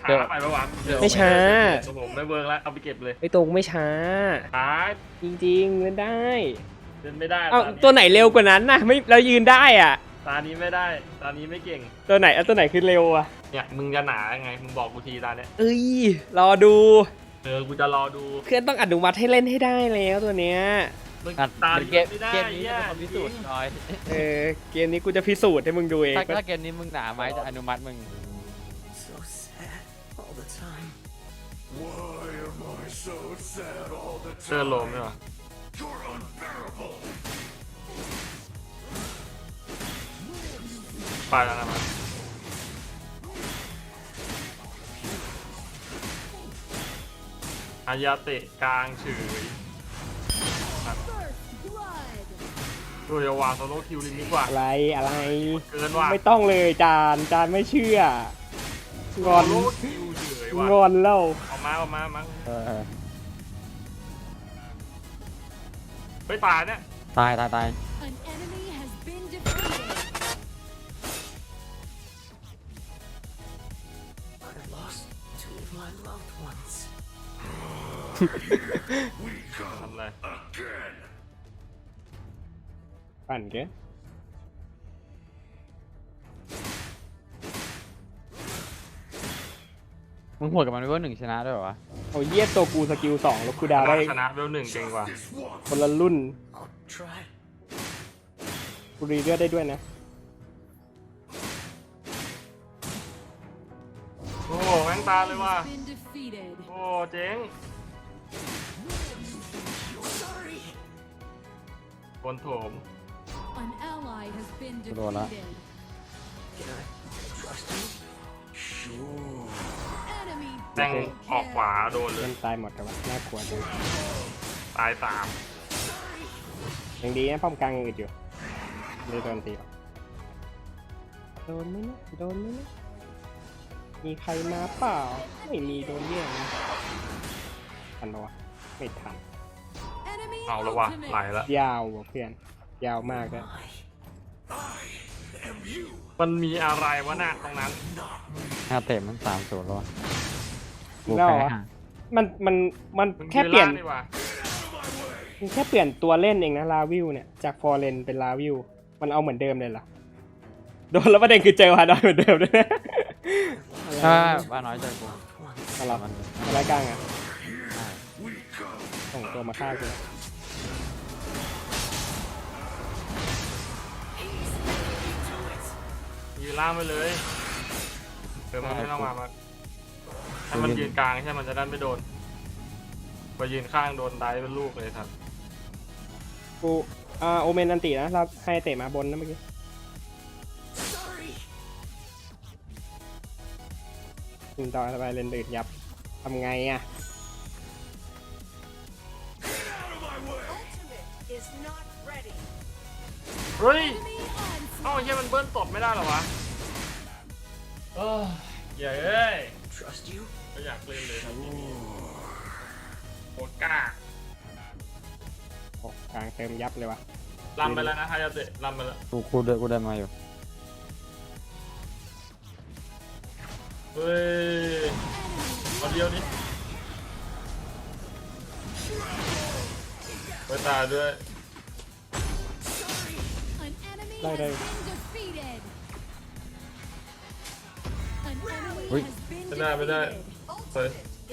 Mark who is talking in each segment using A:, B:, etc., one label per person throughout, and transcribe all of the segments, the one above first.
A: ช้าไปปะวะ
B: ไม่ช้า
A: ผมไม่เวิร์กแล้วเอาไปเก็บเลย
B: ไอ้ตรงไม่ช้า
A: ช้า
B: จริงๆเล่นได้
A: เล่นไม่ได้
B: เอ้าตัวไหนเร็วกว่านั้นนะไม่เรายืนได้อ่ะ
A: ตานี้ไม่ได้ตานี้ไม่เก่ง
B: ตัวไหนตัวไหนคือเร็วอ่ะ
A: เนี่ยมึงจะหนาไงมึงบอกกูทีตาเนี้ย
B: เอ้ยรอดู
A: กูจะรอดู
B: เพื่อนต้องอนุมัติให้เล่นให้ได้แล้วตัวเนี้ย
A: มึง
C: อ่ะ
A: ตา
C: เกม
A: ไม่ได้
C: เกมนี้จะเป็นคนพิสูจน์หน่อย
B: เกมนี้กูจะพิสูจน์ให้มึงดูเอง
C: ถ้าเกมนี้มึงหนาไหมจะอนุมัติมึง
D: So sad all the time.
E: Why am I so sad all the
A: เสื้อ
E: time?
A: โลมใช่ปะ
E: You're unbearable.
A: ไปแล้วนะมันอายาเตะกลางเฉยดูจะวางโซโล่คิวลิงดีกว่า
B: อะไร
A: เกินว่ะ
B: ไม่ต้องเลยจานไม่เชื่องอน
A: โซโล่คิวเฉยว่ะ
B: งอนแล้ว
A: ออกมามั้ง
C: เออ
A: ไปตายเนี่ย
C: ตาย
F: An enemy has been defeated.
D: I lost two of my loved ones.
E: We come
A: ทำอะไร
E: again.
B: ปั่นแก
C: มึงหัวดกับมันด้วย1ชนะด้วยเหรอวะ
B: โอ้เยี่ยตัวกูสกิล2แล้วกูดาวได้
A: ชนะเวลหนึ่งเก่งกว่า
E: This one.
B: คนละรุ่น
D: I'll try.
B: กูรีเลือดได้ด้วยนะ
A: โอ้โหแม่งตาเลยว่ะ
F: Has been defeated.
A: โอ้เจ๋งคนโถม
F: An ally has been
C: Rồi đó.
F: defeated.
D: Can I trust you?
E: Sure.
F: Enemy
A: แม่ง
F: double
A: ออกขวา
F: kill.
A: โดนเล
B: เล่
A: ย
B: นตายหมดแต่ว่าน่ากลัวจัง
A: ตายสาม
B: ยังดีนะป้อมกลางยังอึดอยู่เลยโดนตีออกโดนไหมนะโดนไหมนะมีใครมาเปล่าไม่มีโดนเรียกนะทันปะวะไม่ทัน
F: Enemy
A: เอาแล้วว่ะ
F: ultimate.
A: ไหลละ
B: ยาวว่ะเพื่อนยาวมากเลย
E: Am you
A: มันมีอะไรวะน่ะตรงนั้น
C: 5 เตะมัน3-0แล้ววะกู
B: แล้ว
C: แพ้
B: เหรอ
C: ห่า
B: มันมัน
A: มึง
B: แค่เปลี่ยน
A: ล่างดีกว่า
B: มันแค่เปลี่ยนตัวเล่นเองนะลาวิวเนี่ยจากฟอร์เรนเป็นลาวิวมันเอาเหมือนเดิมเลยเหรอโดนแล้วประเด็นคือเจอฮาดอยเหมือนเดิมด้วยนะ
C: ถ้าบ้าน้อยเจอกู
B: อะไร
C: มัน
B: อะไรกลางอ่ะ
E: we come?
B: ส่งตัวมาฆ่ากู
A: ยืนล่างไปเลยเดี๋ยวมันไม่ต้องมาให้มันยืนกลางใช่มันจะได้ไม่โดนพอยืนข้างโดนได้เป็นลูกเลยครับ
B: กูโอเมนอันตินะเราให้เตะมาบนนะเมื่อกี้
D: Sorry.
B: ยิงต่อสบายเลนเดือดยับทำไงอ่ะ
G: Is not ready.
A: เฮ้ย
F: Enemy onslaught.
A: เอ้าไอ้เหี้ยมันเบิ้ลตบไม่ได้เหรอวะเอออย่าเอ้ย
D: Trust you?
A: ไม่อยากเล่นเลยครับพี่โคตรกล้า
B: โอ้กลางเติมยับเลยวะ
A: ลำไปแล้วนะฮายาเตะลำไปแล้ว
C: กูเดินมาอยู่
A: เฮ้ยเอาเดียวนี้ไปตายด้วย
F: An enemy
B: Đây,
F: has
B: đây.
F: been defeated. An enemy
C: Ui.
F: has been
A: ไม่ได้ไม่ได้
F: defeated.
A: เฮ้ย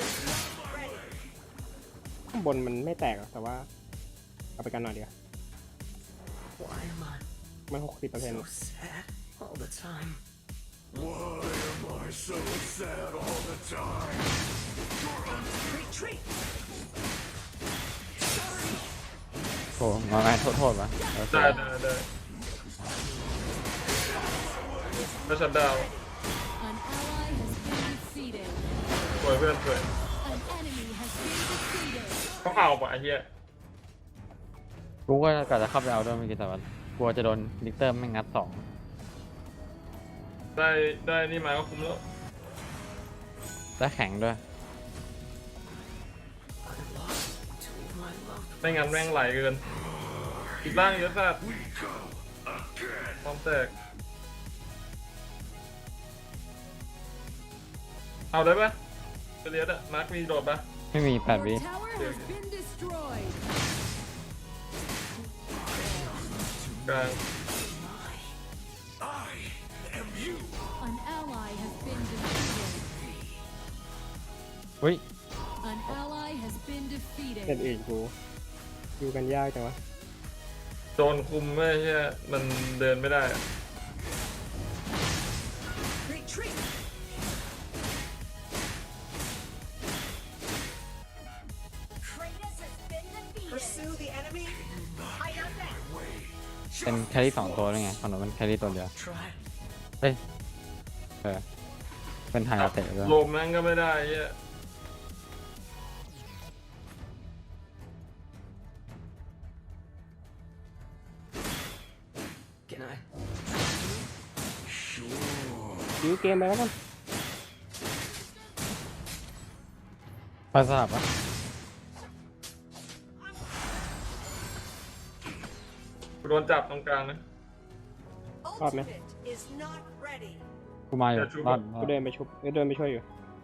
B: ข้างบนมันไม่แตกหรอกแต่ว่าเอาไปกันหน่อยเดียว
D: Why am I
B: มัน60%
D: so sad all the time?
E: Why am I so sad all the time?
G: Retreat.
C: โอ้มาไงโทษวะโอเค
A: ได้ก็ชัดดาว
F: An ally has been defeated.
A: สวยเพื่อนสวย
F: An enemy has been defeated.
A: ต้องเอาปะไอ้เหี้ย
C: กูก็กะจะเข้าไปเอาด้วยเมื่อกี้แต่ว่ากลัวจะโดนลิกเตอร์ไม่งัด2
A: ได้นี่มาก็คุ้มแล้ว
C: และแข็งด้วย
D: I lost two of my loved
A: ไม่งั้นแม่งไหลเกินอีกล่างเยอะสัส
E: We come again.
A: พร้อมแตกเอาได้ปะไปเรียนอะมาร์คมีโดดปะ
C: ไม่มี8
F: Your
C: วิ
F: tower has been destroyed.
A: กลาง
E: I am you.
F: An ally has been defeated.
C: เฮ้ย
F: An ally has been
B: เส้น
F: defeated.
B: อื่นกูอยู่กันยากจังวะ
A: โดนคุมไม่ใช่มันเดินไม่ได้อะ
G: Retreat. Kratos has been defeated. Pursue the enemy. Hide out back.
C: เป็นแครี่2 ตัวด้วยไงฝั่งนู้นเป็นแครี่ตัวเดียว
D: Try.
C: เฮ้ยเป็นไฮอาเตะด้วย
A: ลมนั่นก็ไม่ได้เหี้ย
D: Can I?
B: ยื้อเกมไปแล้วกัน
C: ไปสลับปะ
A: โดนจับตรงกลางนะ
G: Ultimate is not ready.
C: กูมาอยู่
A: เดี๋ยวชุบ
C: รอด
B: กูเดินไปชุบเดินไปช่วยอยู่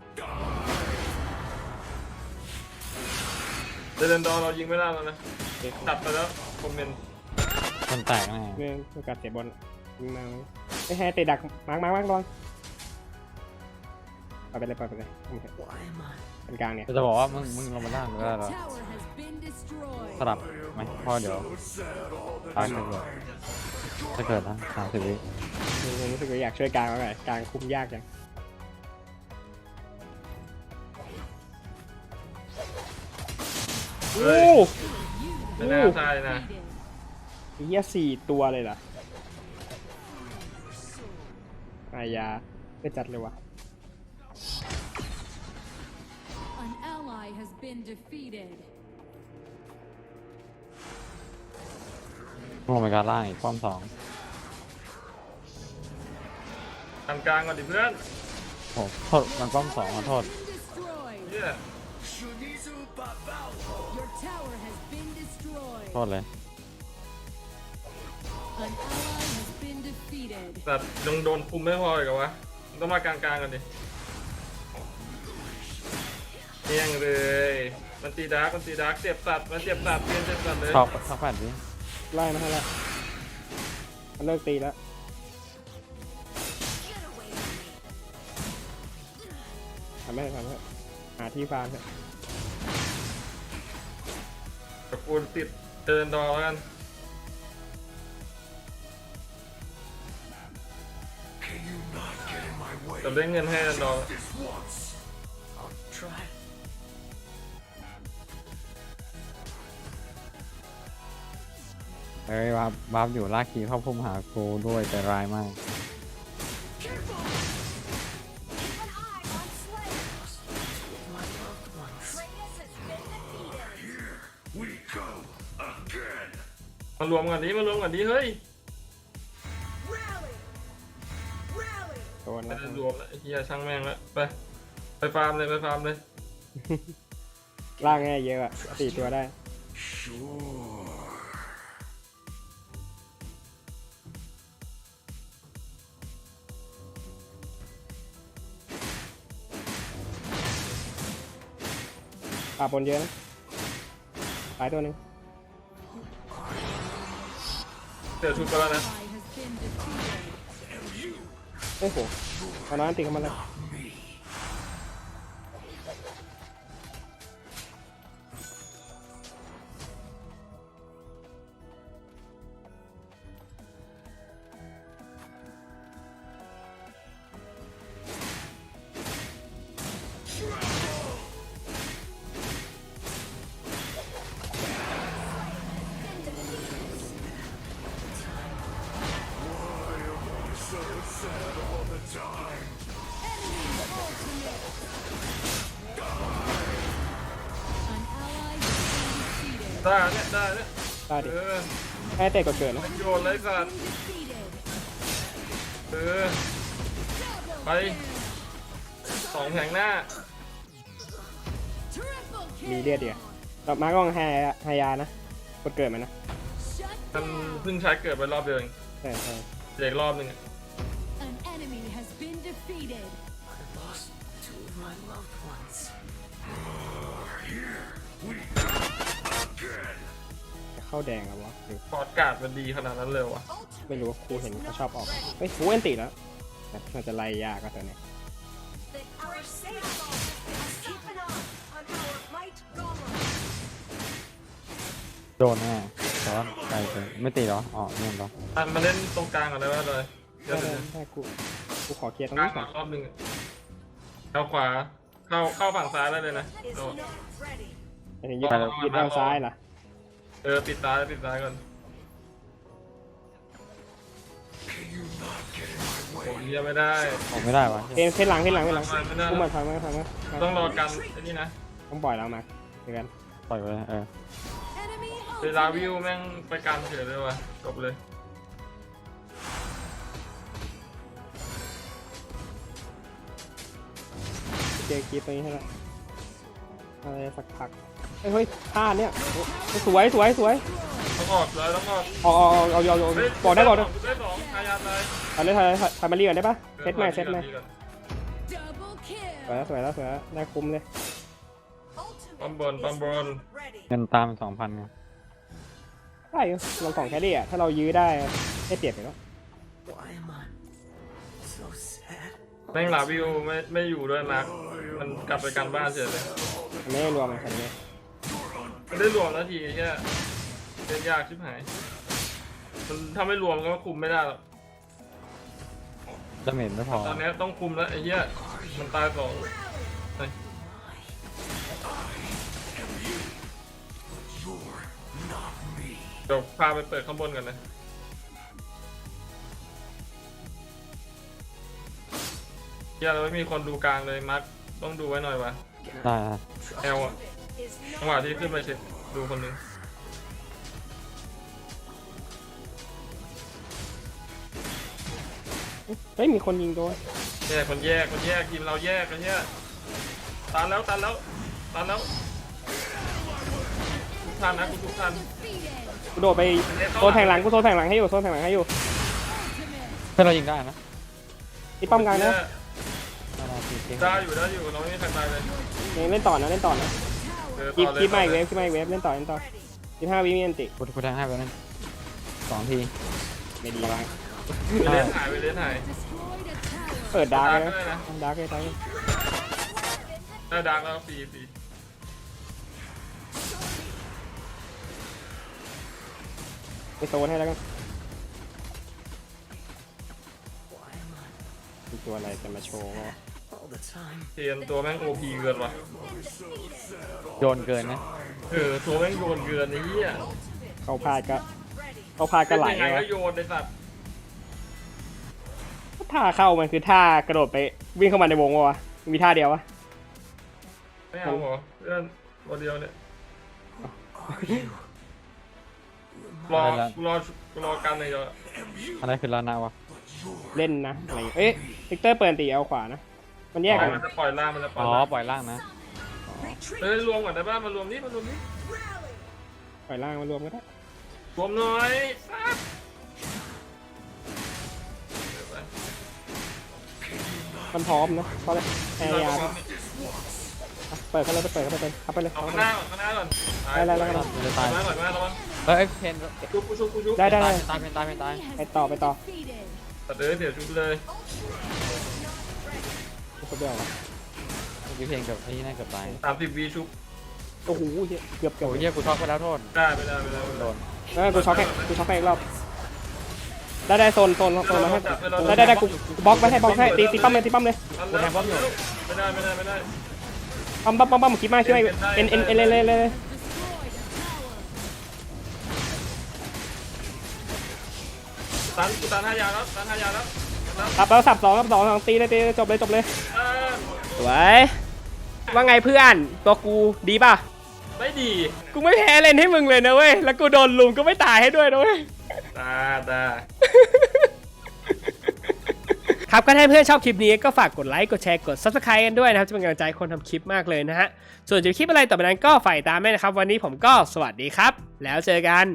A: เดนดอร์เรายิงไม่ได้แล้วนะจับไปแล้วคอมเมนต์
C: คนแตกแน่
B: เรื่องโอกาสเสียบอลยิงมาไม่ให้เตะดักมาร์กลองไปเลยโอเค
D: Why am I?
B: เป็นกลางเนี่ย
C: จะบอกว่ามึงลงมาล่างก็ได้
F: Your
C: แล้ว
F: tower has been destroyed.
C: สลับไหมเพราะเดี๋ยว
E: So sad all the
C: ตายเกิดถ้าเกิดนะ30 วิ
B: รู้สึกว่าอยากช่วยกลางมากเลยกลางคุมยากจังโอ้
A: ไม่น่าใช่นะ
F: Defeated.
B: เหี้ย4 ตัวเลยเหรออายาไม่จัดเลยวะ
F: An ally has been defeated.
C: ลงไปการล่างอีกป้อม
A: ทำกลางก่อนดิเพื่อน
C: 2โอ้โทษมันป้อม 2ขอโทษ
F: Been destroyed.
A: เหี้ย
E: Shunizu Babao.
F: Your tower has been
C: โท
F: destroyed.
C: ษเลย
F: An ally has been defeated.
A: แต่ยังโดนคุมไม่พออีกเหรอวะมันต้องมากลางๆกันดิเนียงเลยมันตีดาร์กเจ็บสัตว์มันเจ็บสัตว์เปลี่ยนเจ็บสัตว์เลย
C: ชอบสัก8 วิ
B: ไล่มาให้แล้วมันเลิกตีแล้ว
G: Get away from me.
B: ทำให้หาที่ฟาร์มเถอะ
A: กับกูติดเดินดอแล้วกัน
E: Can you not get in my way?
A: แต่เล่นเงินให้เดินดอ
E: This once.
D: I'll try.
C: เอ้ยวาร์ปอยู่ลากคีเข้าพุ่มหากูด้วยแต่ร้ายมาก
G: Careful. Keep an eye on Slayer.
D: My loved ones.
G: Kratos has been defeated.
E: We go again.
A: มารวมกันดิเฮ้ย
G: Rally. Rally.
B: โดน
A: ไม่
B: แล้ว
A: ได้รวมแล้วไอ้เฮียช่างแม่งแล้วไปฟาร์มเลย
B: ล่างง่ายเยอะอะ4 ตัวได้
E: Sure.
B: ปาบนเยอะนะตายตัวหนึง
A: เดี๋ยวชุบไปแล้วนะ
F: Ally has been defeated.
B: โอ้โหตอนนั้นตีเข้ามาเลย
E: So sad all the time.
F: An ally has been defeated.
A: ได้เนี่ย
B: ได้ดิ
A: เออ
B: ให้เตะกดเกิดนะ
A: โยนเลยสัตว์
F: Been defeated.
A: เออ ไป 2 แผงหน้า
F: Triple
B: มี
F: kill.
B: เลือดเดียวต่อมาก็ไฮยานะกดเกิดมันนะ
F: Shut
A: มัน
F: down.
A: เพิ่งใช้เกิดไปรอบเดียวเอง
B: ใช่
A: เด็กรอบหนึงอะ
F: An enemy has been defeated.
D: I lost 2 of my
B: เข้าแดงแล้ววะหรือ
A: พอร์ตการ์ดมันดีขนาดนั้นเลยวะ
B: ไม่รู้ครูเห็นเขาชอบออกเฮ้ยครูเอนติแล้วแต่มันจะไล่ยากก็ตัวเนี้ย
G: Our safe zone is keeping up on our light golem.
C: โดนแน่แต่ว่าไกลเกินไม่ตีเหรออ๋อนี่เหรอ
A: มาเล่นตรงกลางก่อนได้ไหมเลยเดี๋ยว
B: ได้กูขอเคลียร์ตรง
A: กลาง
B: นี้ก่
A: มา
B: อน
A: รอบหนึ่งเข้าขวาเข้าฝั่งซ้ายได้เลยนะ
G: Is
A: โดด
G: not ready.
B: ไอ้ถึงยืดด้านซ้ายล่ะ
A: ปิดซ้ายก่อนผมเฮียไม่ได้
C: ออกไม่ได้วะ
B: เพนหลัง
A: ไม่ได้
B: กูมาทำมา
A: ต้องรอกันไอ้นี่นะ
B: ต้องปล่อยแล้วมาเดี๋ยวกัน
C: ปล่อยไปเลย
F: Enemy
A: เวลาวิวแม่งไปกันเฉยเลยว่ะจบเลย
B: เจอกีตรงนี้ให้ละอะไรสักพักเฮ้ยท่าเนี่ยสวย
A: ต้องออกเลยต้องออก
B: เอาบอกได้
A: ได้สองทายาทเลย
B: เอาเลยทำมาเรียนได้ปะเซตใหม่
F: double
B: สวย
F: kill.
B: แล้วได้คุ้มเลย
G: Ultimate is not ready.
C: เงินตาม 2,000ไง
B: ได้ลองกล่องแครี่อ่ะถ้าเรายื้อได้ได้เปรียบอยู่แล้ว
D: Why am I so sad?
A: แม่งลาวิวไม่อยู่ด้วยมาร์คมันกลับไปกันบ้านเฉยเลย
B: มันไม่ได้รวมกันนี้
A: มันได้รวมแล้วทีแค่เล่นยากชิบหายมันถ้าไม่รวมก็คุมไม่ได้หรอก
C: ดาเมจไม่พอ
A: ตอนนี้ต้องคุมแล้วไอ้เหี้ยมันตายสองเดี๋ยวพาไปเปิดข้างบนกันนะเหี้ยเราไม่มีคนดูกลางเลยมาร์คต้องดูไว้หน่อยวะ
C: ได้
A: แอลอะ
G: Is
A: จังหวะ
G: not
A: ที่ขึ้นไปเช็คดูคนหนึง
B: เฮ้ยมีคนยิงโดน
A: แยกทีมเราแยกกันเนี่ยตันแล้วทุกท่านนะทุกท่าน
F: Defeated.
B: กูโดดไปโซนแทงหลังให้อยู่
C: เพื่อนเรายิงได้นะ
B: ตีป้อมกลางนะ
A: ได้อยู่เราไม่มีใครตายเลย
B: เล่นต่อนะ
A: ต่อเลย
B: คลิปมาอีกเวฟเล่นต่อ15 วิมีอันติ
C: กูแทงให้ไปนั่น2 ที
B: ไม่ดีมาก
A: ไปเล่นหาย
F: Destroyed a tower.
B: เปิดดาร์กเลย
A: ได้
B: นะ
A: นะ
B: ดาร์กเลย
A: ได้ดังแล้วฟรี
B: ไปโซนให้แล้วกัน
D: Why am I
B: มีตัวอะไรจะมาโชว์วะ
D: all the time?
A: เทียนตัวแม่งโอพีเกินว่ะ
C: โยนเกินนะ
A: ตัวแม่งโยนเกินไอ้เหี้ย
B: เข้าพลาดก็ไหล
A: ยังไง
B: วะ
A: ก็โยนในสัตว์
B: ท่าเข้ามันคือท่ากระโดดไปวิ่งเข้ามาในวงวะมีท่าเดียววะ
A: ไม่เอาเหรอเพื่อนตัวเดียวเนี่ย
D: Are you?
A: รอกันเลยเดี๋ยว
C: อะไรคือลานะวะ
B: เล่นนะอะไรเอ๊ะลิกเตอร์เปิดตีเอาขวานะมันแยกกัน
A: มันจะปล่อยล่างมันจะปล่
C: อ๋
A: อย
C: อ
A: ล่าง
C: ปล่อยล่างนะ
A: รวมก่อนได้ป่ะมารวมนี่
B: ปล่อยล่างมารวมก็ได้
A: รวมหน่อยสัตว์
B: มันพร้อมนะเพราะแอร์ยาเปิดเข้าเลยเข้าไปเลย
A: เอาข้างหน้าก่อน
B: ได้
C: มันจะตาย
A: ระวังระวัง
C: เฮ้ยเพน
A: ชุบ
B: ได้
C: ตายตาย
F: Enemy has
B: ไปต่อ
F: been defeated.
A: ตัดเลยเสียชุบเลย
B: กูเบี้ยววะ
C: เมื่อกี้เพนกับไอ้นี่น่าเกือบตาย
A: 30 วีชุบ
B: โอ้โหเกือบ
C: โอ้ยเหี้ยกูช็อกไปแล้วโทษ
A: ได้ไปเลย
C: โดน
B: กูช็อกให้อีกรอบได้โซนมาให้ได้กูบล็อกไว้ให้ตีป้อมเลย
C: กูแทงป้อมอยู่
A: ไม่ได้
B: ป้อมคิดมากช่วยเอ็นเลย
F: Destroyed a tower.
A: ตัน5 ยาแล้ว
B: รับแล้วสับ2ตีเลยจบเลยสวยว่าไงเพื่อนตัวกูดีป่ะ
A: ไม่ดี
B: กูไม่แพ้เล่นให้มึงเลยนะเว้ยแล้วกูโดนลุมก็ไม่ตายให้ด้วยนะเว้ย
A: ตา
B: ครับก็ถ้าเพื่อนชอบคลิปนี้ก็ฝากกดไลค์กดแชร์กด Subscribe กันด้วยนะครับจะเป็นกำลังใจคนทำคลิปมากเลยนะฮะส่วนจะคลิปอะไรต่อไปนั้นก็ฝ่ายตามด้วยนะครับวันนี้ผมก็สวัสดีครับแล้วเจอกัน